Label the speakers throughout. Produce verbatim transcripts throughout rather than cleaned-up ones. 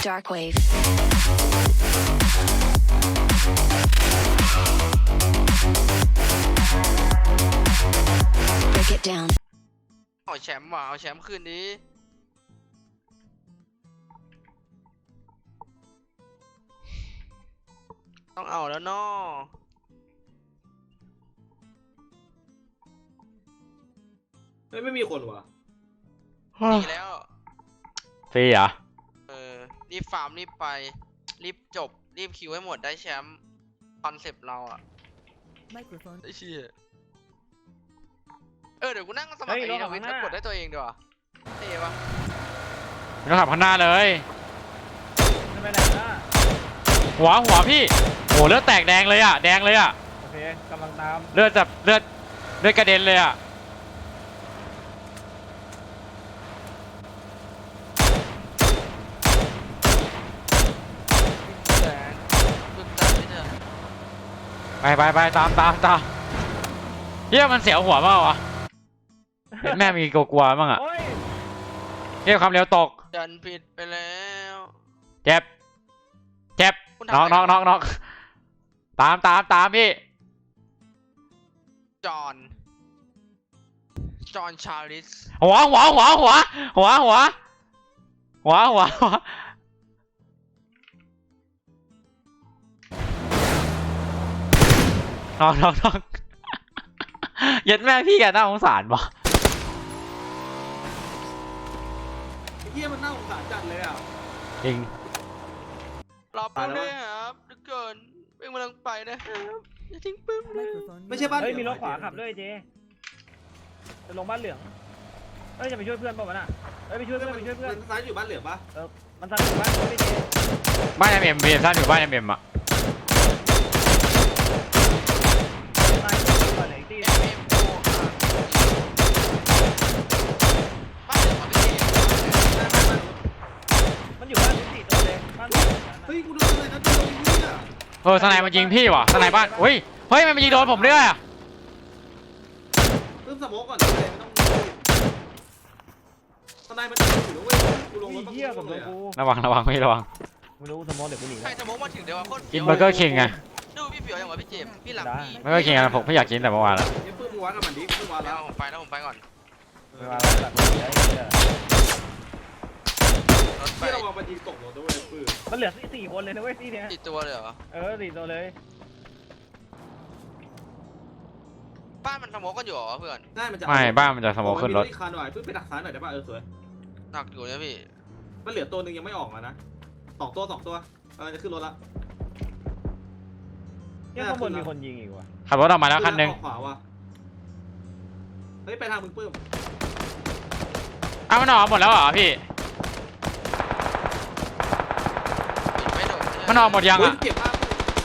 Speaker 1: Darkwave. Break it down.
Speaker 2: เอาแชมป์ว่ะเอาแชมป์คืนนี้ต้องเอาแล้วเนาะ
Speaker 3: เฮ้ยไม่มีคนว่ะ
Speaker 2: ดีแล้ว
Speaker 4: ฟรีเหรอ
Speaker 2: เออรีบฟาร์มรีบไปรีบจบรีบคิวให้หมดได้แชมป์คอนเซปต์เราอะ
Speaker 5: Microphone.
Speaker 2: ไอ้เชี่ยเออเดี๋ยวกูนั่งสมัครไอ้นี่ทวิตแล้วกดได้ตัวเองดีกว่าเท่ปะ
Speaker 4: ไม่ต้องขับข้างหน้าเลย
Speaker 5: จะไปไหนล่ะ
Speaker 4: หัวหัวพี่โอ้เลือดแตกแดงเลยอ่ะแดงเลยอ่ะ
Speaker 5: โอเคกำลังตาม
Speaker 4: เลือดแบบเลือดเลือดกระเด็นเลยอ่ะ
Speaker 2: แดงบึ้มตามไม่เถอะ
Speaker 4: ไปไปไปตามตามตามเฮียมันเสียวหัวเปล่าวะเห็นแม่มีกลัวๆบ้างอ่ะ
Speaker 5: โอ้ย
Speaker 4: เฮียความเร็วตก
Speaker 2: ดันผิดไปแล้ว
Speaker 4: เจ็บเจ็บ
Speaker 2: คุณทำ
Speaker 4: น็อก
Speaker 2: อะไร
Speaker 4: น็อกน็อกน็อกตามตามตามพี่
Speaker 2: จอห์นจอห์นชาลิส
Speaker 4: หัวหัวหัวหัวหัวหัวหัวหัวหัวน็อกน็อกน็อกเย็ดแม่พี่แกน่าสงสารปะ
Speaker 3: ไอ้เหี้ยมันน่าสงสารจัดเลยอ่ะ
Speaker 4: จริง
Speaker 2: รอปืนด้วยครับทุกคนเป็นกำลังไปนะครับอย่าทิ้งปืนนะ
Speaker 5: Microphone.
Speaker 3: ไม่ใช่บ้าน
Speaker 5: เฮ้ย
Speaker 3: เหลื
Speaker 5: มี
Speaker 3: อง
Speaker 5: รถขวาขับด้วยเจจะลงบ้านเหลืองเฮ้ยจะไปช่วยเพื่อนเปล่าวะน่ะเฮ้ยไปช่วยเพื่อนไปช่วยเพื่อน
Speaker 3: มันซ้ายอยู่บ้านเหลืองปะ
Speaker 5: มันทำอยู่บ้านเขาไม่เจ
Speaker 4: บ้านเอ็มเอ็มพีซ่าอยู่บ้านเอ็มเอ็มอ่ะ
Speaker 5: ตายก่อนไหนตี
Speaker 2: เอ็มเอ็มโอบ้านเหลืองมาพี่
Speaker 5: มันอยู่บ้านทุกสี่ตัวเลยบ้าน
Speaker 3: เฮ้ยกูโดนอะไรนะโดนไอ้เหี้ย
Speaker 4: เออสไนมันยิงพี่ว่ะสไนบ้านเฮ้ยเฮ้ยมันมายิงโดนผมด้วยอ่ะ
Speaker 3: เพิ่มสโมกก่อนเลยไม่ต้องทนายมันอยู่แล้วเว้ยกูลงรถ
Speaker 5: เหี้ยกับโดนกู
Speaker 4: ระวังระวังพี่ระวัง
Speaker 5: ไม่รู้สมองเดี๋ยวกูหนี
Speaker 2: ใครสมองมาถึงเดี๋ยวว่าโคตร
Speaker 4: กินเบอร์เกอร์คิงไง
Speaker 2: ดูพี่เปียวอย่างวะพี่เจมส์พี่หลังพี่
Speaker 4: เบอร์เกอร์คิงอะผมไม่อยากกินแต่เมื่อวานแล้ว
Speaker 3: เดี๋ยวเพิ่มวัดกับมันดิเพิ่มวัด
Speaker 2: แล้
Speaker 3: แล้ว ว
Speaker 2: ผมไปแล้วผมไปก่อน
Speaker 5: เวลาเราตัดตัวเหี้ย
Speaker 2: รถไป
Speaker 3: ที่เราวางมันยิงตกรถด้วยปืน
Speaker 5: มันเหลือสี่คนเลยนะเว้ยที่เนี้ย
Speaker 2: ติดตัวเลยเหรอ
Speaker 5: เออสี่ตัวเลย
Speaker 2: บ้านมันสมองกันอยู่เหรอเพื่อน
Speaker 3: ได้มันจะ
Speaker 4: ไม่บ้านมันจะสโมกขึ้นรถ
Speaker 3: โอ้ยมีอีกคันหน่อยปืนไปดักซ้ายหน่อยได้ป่ะเออสวย
Speaker 2: หนักอยู่นะพี่
Speaker 3: มันเหลือตัวหนึ่งยังไม่ออกมานะสองตัวสองตัวเออจะขึ้นรถละ
Speaker 5: เนี่ยข้างบนมีคนยิงอีกว่ะ
Speaker 4: ขับรถออกมาแล้วคันหนึ่ง
Speaker 3: ออกขวาว่ะเฮ้ยไปทางมึงปื้ม
Speaker 4: อ้าวมันออกหมดแล้วเหรอพี่
Speaker 2: ปิดไม่โดน
Speaker 4: มันออกหมดยังอ่ะ
Speaker 3: เก็บภาพ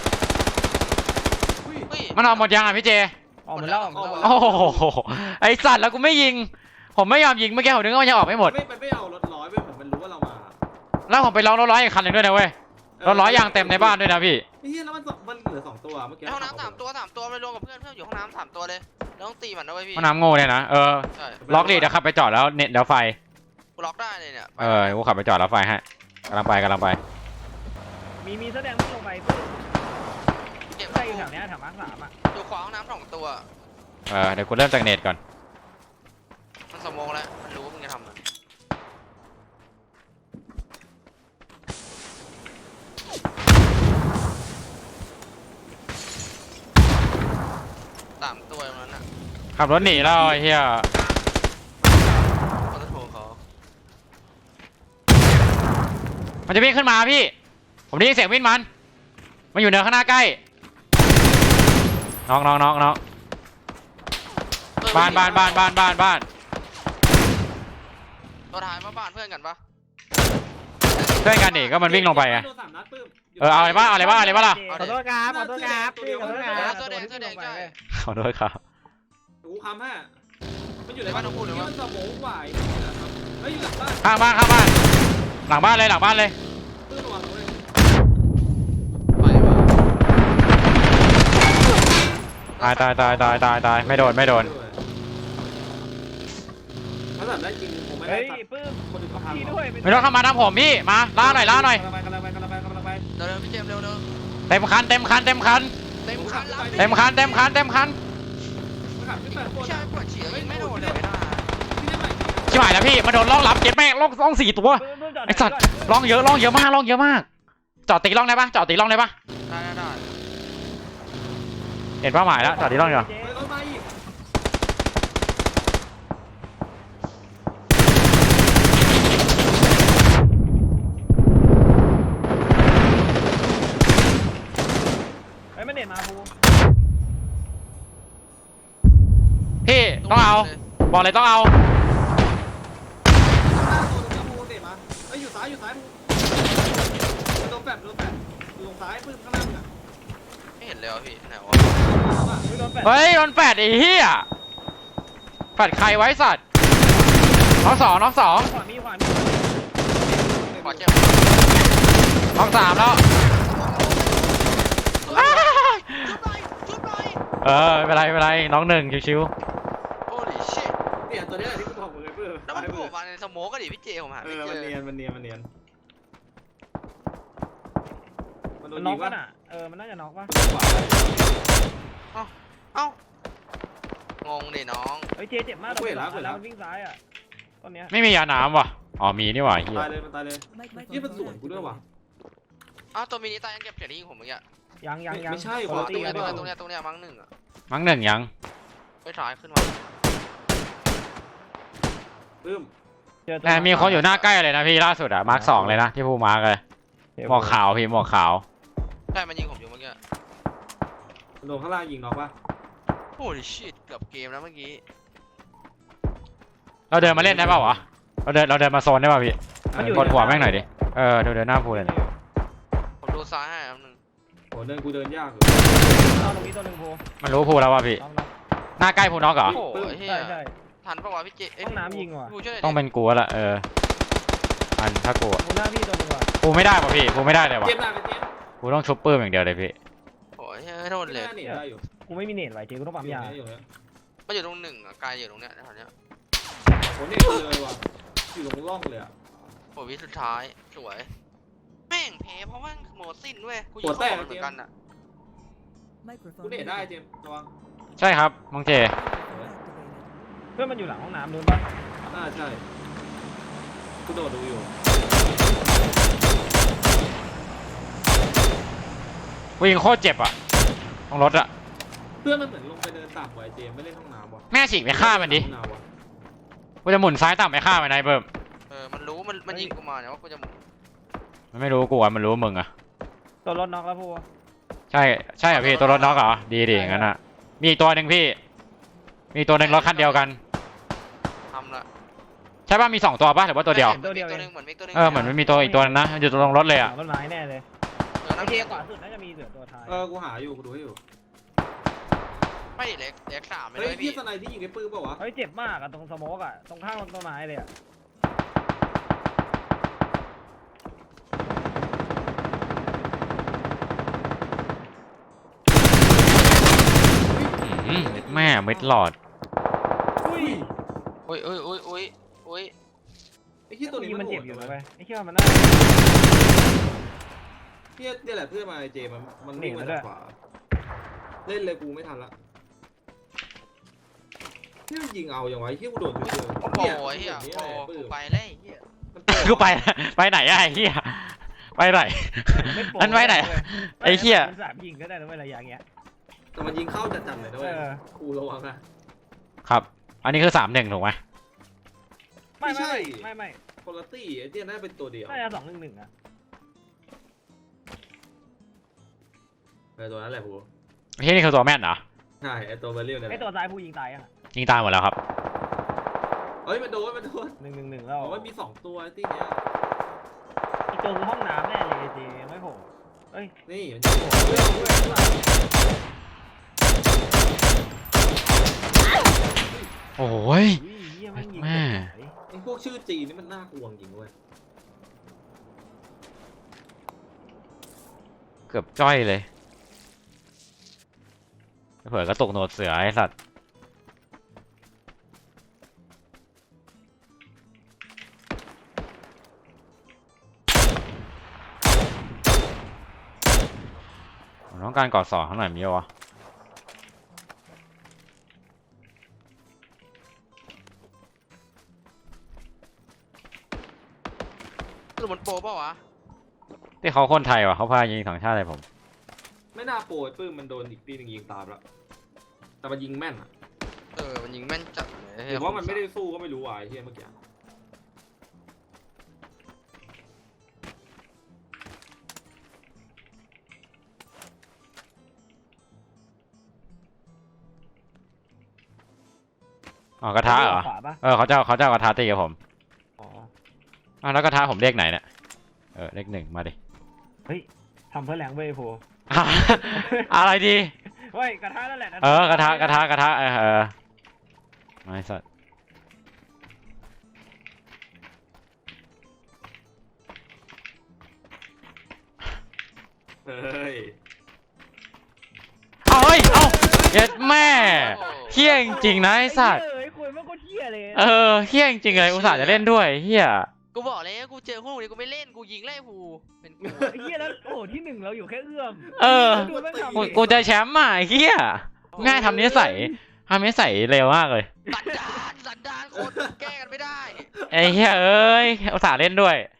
Speaker 3: อุ้ย
Speaker 2: เฮ้ย
Speaker 4: มันออกหมดยังอ่ะพี่เจ
Speaker 5: ออกมาแล้วออกมาแล้ว
Speaker 4: โอ้โหไอสัตว์แล้วกูไม่ยิงผมไม่ยอมยิงเมื่อกี้ผมนึกว่ามันยังออกไม่หมด
Speaker 3: ไม่มันไม่เอารถร้อยไปเหมือนมันรู้ว่าเรามา
Speaker 4: แล้วผมไปลองรถร้อยอีกคันหนึ่งด้วยนะเว้ยรถร้อยยางเต็มในบ้านด้วยนะพี่
Speaker 3: ไอ้เหี้ยแล้วมันสองมันเหลือสองตัวเมื่อกี้
Speaker 2: ในห้องน้ำสามตัวสามตัวไปรวมกับเพื่อนเพื่อนอยู่ห้องน้ำสามตัวเลยแล้วต้องตีมันนะเว้ยพี่
Speaker 4: มันน้ำโง่เนี่ยนะเออ
Speaker 2: ใช่
Speaker 4: ล็อกดิเดี๋ยวขับไปจอดแล้วเน็ตแล้วไฟ
Speaker 2: กูล็อกได้เลยเนี่ย
Speaker 4: เออกูขับไปจอดแล้วไฟให้กำลังไปกำลังไป
Speaker 5: มีมีแสดงไม่ลงไปเพื่อน
Speaker 2: เก็บ
Speaker 5: ใช่อยู่แถวเนี้ยแถวมาร์คสามอ่ะ
Speaker 2: อยู่ขวาห้องน้ำสองตัว
Speaker 4: เออเดี๋ยวกูเริ่มจากเน็ตก่อน
Speaker 2: มันสมองแล้วมันรู้ว่ามึงจะทำมันสามตัวตรงนั้นน่ะ
Speaker 4: ขับรถหนีแล้วไอ้เหี้ย
Speaker 2: เขาจะโทรเขา
Speaker 4: มันจะวิ่งขึ้นมาพี่ผมได้ยินเสียงวิ่งมันมันอยู่เนินข้างหน้าใกล้น้องน้องน้องน้องบ้านบ้านบ้านบ้านบ้านบ้าน
Speaker 2: ตัวท้ายมาบ้านเพื่อนกันปะ
Speaker 4: เพื่อนกันดิก็มันวิ่งลงไปไง
Speaker 3: โดนสามนัดปื้ม
Speaker 4: เออเอาอะไรบ้างเอาอะไรบ้างเอาอะไรบ้างล่ะ
Speaker 5: ขอโทษครับขอโทษครับพี่ขอโทษครับ
Speaker 2: เสื้อแดงเสื้อแดงใช่
Speaker 4: ขอโทษครับ
Speaker 3: กูคำฮะมันอยู่ในบ้านของกูเลยว่าสมองไหวเฮ้ยอยู่หลังบ้าน
Speaker 4: ข้างบ้านข้างบ้านหลังบ้านเลยหลังบ้านเลย
Speaker 3: ปื้มระวังเลย
Speaker 2: ไปวะ
Speaker 4: ตายตายตายตายตายตายไม่โดนไม่โดน
Speaker 3: เขาแบบได้จริงผมไม่ได้
Speaker 5: เฮ้ย
Speaker 3: ตัด
Speaker 5: ปื้ม
Speaker 3: คนอื่นเขาพัง
Speaker 5: พี่
Speaker 3: หรอก
Speaker 5: ด้วย
Speaker 4: ไม่ต้องเข้ามาทางผมพี่มาล่าหน่อยล่าหน่อย
Speaker 3: กำลังไปกำลังไปกำลังไปกำลังไป
Speaker 2: เร็วๆพี่เจมส์เร็วเร็ว
Speaker 4: เต็มคันเต็มคันเต็มคัน
Speaker 2: เต็มคันแล้ว
Speaker 4: เต็มคันเต็มคันเต็มคัน
Speaker 3: ไม่ขับขึ้นไปข้างบน
Speaker 2: ใช่
Speaker 3: อะ
Speaker 2: ปวดฉี่ยิงไม่โดนเลยนะ
Speaker 3: พี่ได้ไหม
Speaker 4: ชิบหายแล้วพี่มาโดนล่องลับเจ็บแม่งล่องล่องสี่ตัว
Speaker 5: ปื้มปื้มจอด
Speaker 4: ไอสัตว์ล่องเยอะล่องเยอะมากล่องเยอะมากจอดตีล่องได้ปะจอดตีล่องได้ปะ
Speaker 2: ได้ได้ได้
Speaker 4: เห็นเป้าหมายแล้วจอดตีล่องเดี๋ยว
Speaker 3: เฮ้ยรถมาอีก
Speaker 5: เฮ้ยมันเด็ดมาภู
Speaker 4: พี่ต้องเอาบอกเลยต้องเอา
Speaker 3: หน้าตัวตรงนี้มูเตะมาเฮ้ยอยู่ซ้ายอยู่ซ้ายมูโดนแปดโดนแปดอยู่ตรงซ้ายปื้มข้างหน้ามึงอะ
Speaker 2: ไม่เห็นเลยว่ะพี่ไหนวะ
Speaker 5: ไม่โดนแปด
Speaker 4: เฮ้ยโดนแปดไอ้เหี้ยแปดใครไว้สัตว์น้องสองน้องสอง
Speaker 5: ขวามีขวามี
Speaker 2: ขอเจ็บ
Speaker 4: น้องสามแล้วอ้า
Speaker 2: จุบหน่อยจุบหน่อย
Speaker 4: เออไม่เป็นไรไม่เป็นไรน้องหนึ่งชิว
Speaker 2: โอ้ดิชิต
Speaker 3: เนี่ยตัวนี้แหละที่กูบอกมึงเลยปื้ม
Speaker 2: แล้วมันโผล่มาในสโมกก็ดิพี่เจผมหา
Speaker 3: เอ
Speaker 2: ไม่
Speaker 3: อ
Speaker 2: เจ
Speaker 3: มัน
Speaker 2: อ
Speaker 3: เนียนมันเนียนมันเนียนมันโด
Speaker 5: มัน
Speaker 3: น
Speaker 5: น็
Speaker 3: ยิ
Speaker 5: อก
Speaker 3: ง
Speaker 5: ป่ะ
Speaker 3: วะ
Speaker 5: น่ะเออมันน่าจะน็อกป่ะ
Speaker 3: ขวา
Speaker 2: เอ้างงดิน้อง
Speaker 5: เฮ้ยเจเจ็บมากแล้วมันวิ่งซ้ายอ่ะตอนเนี้ย
Speaker 4: ๆไม่มียาน้ำว่ะอ๋อมีนี่หว่าเหี้ย
Speaker 3: ตายเลยมันตายเลยยี่มันสวนกูด้วยว่ะ
Speaker 2: อ้าวตัวมินิตายยังเก็บเสียงได้ยิงผมเมื่อกี้
Speaker 5: ยังยังยัง
Speaker 3: ไม่ใช่
Speaker 5: คน
Speaker 3: ขวา
Speaker 5: ละ
Speaker 2: ต
Speaker 5: ตี
Speaker 2: รง
Speaker 5: กั
Speaker 2: เนี้
Speaker 5: น
Speaker 2: ยตรงเนี้ยตรงเนี้ยตรงเนี้ยมั้งหนึ่งอะ
Speaker 4: มั้งหนึ่งยัง
Speaker 2: ไปถ่ายขึ้นมา
Speaker 3: ปื้ม
Speaker 5: เจอตัว
Speaker 4: แต่มีคนอยู่หน้าใกล้เลยนะพี่ล่าสุดอะมาร์คสองเลยนะที่พูมาร์กเลยหมวกขาวพี่หมวกขาว
Speaker 2: ใช่มันยิงผมอยู่เมื่อกี้
Speaker 3: มันโดนข้างล่างยิงน็อกปะ
Speaker 2: โอ้ดิชิตเกือบเกมแล้วเมื่อกี้
Speaker 4: เราเดินมาเล่นได้เปล่าวะเราเดินเราเดินมาโซนได้ป่ะพี่กดหัวแม่งหน่อยดิเออเดินเดินหน้าพูเลยนะ
Speaker 2: ผมดูซ้ายให้อันหนึ่ง
Speaker 3: โหเดินกูเดินยากอยู่
Speaker 5: เอาตรงนี้ตัวหนึ่งภู
Speaker 4: มันรู้พูแล้วว่ะพี่
Speaker 5: น็อกน็อก
Speaker 4: หน้าใกล้พูน็อกเหรอ
Speaker 2: โอ้โหเฮีย
Speaker 5: ใช่ใช่
Speaker 2: ทันปะวะพี่เจเย
Speaker 5: ห้องน้ำยิงว่ะ
Speaker 2: ผู้ช่วยหน่อยดิ
Speaker 4: ต้องเป็นกูแล้วล่ะเอออันถ้ากูอะ
Speaker 5: ภูหน้าพี่ตัวหนึ่งว่ะ
Speaker 4: กูไม่ได้ป่ะพี่กูไม่ได้เลยว่ะ
Speaker 3: เจมส์หน้าไปเจมส์
Speaker 4: กูต้องชุบปื้มอย่างเดียวเลยพี่
Speaker 2: โอ้ยเฮ้ยโทษ
Speaker 3: ห
Speaker 2: เลย
Speaker 3: น้าเนี่ยได้อยู่
Speaker 5: กูไม่มีเน็ตไว้เจกูต้องปั๊มยา
Speaker 3: อยู่เนี่ย
Speaker 2: มันอยู่ตรงหนึ่งอะกายอยู่ตรงเนี้ยแถวเนี้ย
Speaker 3: โหเนี่ยเลยว่ะอยู่ตรงร่องเลยอ่ะ
Speaker 2: โอ้วิสุดท้ายสวยแม่งแพ้เพราะว่าโหมดสิ้นเว้ยกูยิงเข้าหัวเหมือนกันอะ
Speaker 3: กูเนี่ยได้เจมส์ระวัง
Speaker 4: ใช่ครับน้องเจ
Speaker 5: เพื่อนมันอยู่หลังห้องน้ำนู้นป่ะ
Speaker 3: น่าใช่กูโดดดูอยู่
Speaker 4: กูยิงโคตรเจ็บอ่ะตรงรถอ่ะ
Speaker 3: เพื่อนมันเหมือนลงไปเดินต่ำกว่าไอ้เจมส์ไม่เล่นห้องน้ำว่ะ
Speaker 4: แม่ฉีกไปฆ่ามันดิ
Speaker 3: ห้องน้ำว่ะ
Speaker 4: กูจะหมุนซ้ายต่ำไปฆ่ามันไอ้เบิ่ม
Speaker 2: เออมันรู้มันมันยิงกูมาเนี่ยว่ากูจะ
Speaker 4: มันไม่รู้กูอ่ะมันรู้มึงอ่ะ
Speaker 5: ตัวรถน็อกแล้วภู
Speaker 4: ใช่ใช่เหรอพี่ตัวรถน็อกเหรอดีดิอย่างนั้นอ่ะมีอีกตัวหนึ่งพี่ มีตัวหนึ่งรถคันเดียวกัน
Speaker 2: ทำละ
Speaker 4: ใช่ป่ะมีสองตัวป่ะหรือว่าตัวเดียว
Speaker 2: ตัวเดียวตัวหนึงเหมือนมิกตัวหนึง
Speaker 4: เออเหมือนมันมีตัวอีกตัวนึงนะมันอยู่ตรงรถเลย
Speaker 5: หลั
Speaker 4: อ่ะ
Speaker 5: งต้นไม้แน่เลย
Speaker 2: เออ
Speaker 5: ไอ้
Speaker 2: นั่น
Speaker 5: เจ
Speaker 2: เอง
Speaker 5: ขวาสุดน่าจะมีเหลือตัวท้าย
Speaker 3: เออกูหาอยู่กูดูให้อยู่
Speaker 2: ไม่ดิเล็กเล็กสามไปเล
Speaker 3: เฮ้ย
Speaker 2: ย
Speaker 3: พี่
Speaker 2: พี่
Speaker 3: สไนที่ยิงไอ้ปื้มเปล่าวะ
Speaker 5: เฮ้ยเจ็บมากอะตรงสโมกอะตรงข้างต้นไม้เลยอะ
Speaker 4: อืมแม่มิดหลอด
Speaker 3: อุ้ย
Speaker 2: โอ้ยโอ้ยโอ้ยโอ้ยโอ้ย
Speaker 3: ไอ้เหี้ยตัวนี้
Speaker 5: มัน
Speaker 3: โห
Speaker 5: เจ็บ
Speaker 3: ด
Speaker 5: อยู่
Speaker 3: เล
Speaker 5: นะ
Speaker 3: ย
Speaker 5: เว้ยไอ้เชี่ยมันน่า
Speaker 3: เหี้ยเนี่ยแหละเพื่อนมาไอ้เจมส์มันมันวิ่งมา
Speaker 5: หนีมาด้
Speaker 3: จาว ก
Speaker 5: ย
Speaker 3: ขวาเล่นเลยกูไม่ทันละเหี้ยมันยิงเอาอย่างไวะไอ้เหี้ยกูโดนอยู่เจอ
Speaker 2: โอ้โหเฮีย
Speaker 3: นี่
Speaker 2: โอ้
Speaker 3: แหละ
Speaker 2: กู
Speaker 3: ปื้ม
Speaker 2: ไปเลยเฮีย
Speaker 3: มันโผล่
Speaker 4: กูไปไปไหนอะไอ้เหี้ยไปไหน อันไว้ไหนไอ้เหี้ย
Speaker 5: มันสามยิงก็ได้นะเว้ยระยะเงี้ย
Speaker 3: แต่มันยิงเข้าจัดๆเลยด้วย
Speaker 5: เออ
Speaker 3: กูระวังนะ
Speaker 4: ครับ อันนี้คือสามหนึ่งถูกไหม
Speaker 5: ไม่
Speaker 3: ไม่ใช่
Speaker 5: ไม่ไม่
Speaker 3: คนละตี้ไอ้เจ๊น่าจะเป็นตัวเดียว
Speaker 5: ไม่น่าจะสองหนึ่งหนึ่งอะ
Speaker 3: ไอ้ตัวนั้นแหละกู
Speaker 4: ที่นี่คือตัวแม่นเหรอ
Speaker 3: ใช่ไอ้ตัวเบลเลียวเนี่ยแห
Speaker 5: ไอ้
Speaker 3: ละ
Speaker 5: ตัวซ้ายผู้ยิงตายยังอะ
Speaker 4: ยิงตายหมดแล้วครับ
Speaker 3: เฮ้ยมันโดนมันโดน
Speaker 5: หนึ่งหนึ่งหนึ่งแล้ว
Speaker 3: บอกว่ามีสองตัวไอ้ตี้เนี้ย
Speaker 5: ไอ้ตัวคือห้องน้ำแน่เลยไอ้เจไม่โผล่เอ้ย
Speaker 3: นี่มันจะโผล่เฮ้ยเอาด้วยเอาด้วย
Speaker 4: โอ้ย
Speaker 5: อุ้ยเหี้ยแม่งยิง
Speaker 4: แม่
Speaker 3: ไอ้พวกชื่อจีนนี่มันน่ากลัวจริงเว้ย
Speaker 4: เกือบจ้อยเลยเผื่อกระตุกโหนดเสือไอ้สัตว์ต้องการกอดสองข้างหน่อยมีวะ
Speaker 2: หรือมันโปรเปล่าวะ
Speaker 4: ที่เขาคนไทยวะเขาพายิงสองชาติเลยผม
Speaker 3: ไม่น่าโปรยปื้มมันโดนอีกตีหนึงยิงตามแล้วแต่มันยิงแม่นอะ
Speaker 2: เออมันยิงแม่นจัดเลย
Speaker 3: หรือว่ามันไม่ได้สู้ก็ไม่รู้ว่ะไอ้เหี้ยเมื่อกี้
Speaker 4: อ๋อกระทะเหรอ
Speaker 5: ขวาปะ
Speaker 4: เออเขาจะเอาเขาจะเอากระทะตีกับผม
Speaker 5: อ๋อ
Speaker 4: อ้าวแล้วกระทะผมเลขไหนเนี่ยเออเลขหนึ่งมาดิ
Speaker 5: เฮ้ยทำเพื่อแรงเว้ยโพ
Speaker 4: อะไรดี
Speaker 5: เฮ้ยกระทะนั่นแหละ
Speaker 4: เออกระทะกระทะกระทะเออเออไม่สัตว์
Speaker 3: เฮ้ย
Speaker 4: เอาเฮ้ยเอาเย็ดแม่เฮี้ยจริงๆนะไอ้สัตว์
Speaker 5: เฮ้ยคุยมันก็เที่ยเลย
Speaker 4: เออเฮี้ยจริงๆเลยอุตส่าห์จะเล่นด้วยเฮี้ย
Speaker 2: กูบอกเลยกูเจอพวกนี้กูไม่เล่นกูยิงไล่หูเป็นกู
Speaker 5: ไอ้เหี้ยแล้วโอ้โหที่หนึ่งเราอยู่แค่เอื้อม
Speaker 4: เออ
Speaker 5: ดูแม่งทำ
Speaker 4: กู
Speaker 5: ดิ
Speaker 4: กูจะแชมป์อ่ะไอ้เฮี้ยง่ายทำนิสัยทำนิสัยเร็วมากเลย
Speaker 2: สันดานสันดานคนแก้กันไม่ได้
Speaker 4: ไอ้เฮี้ยเอ้ยอุตส่าห์เล่นด้วย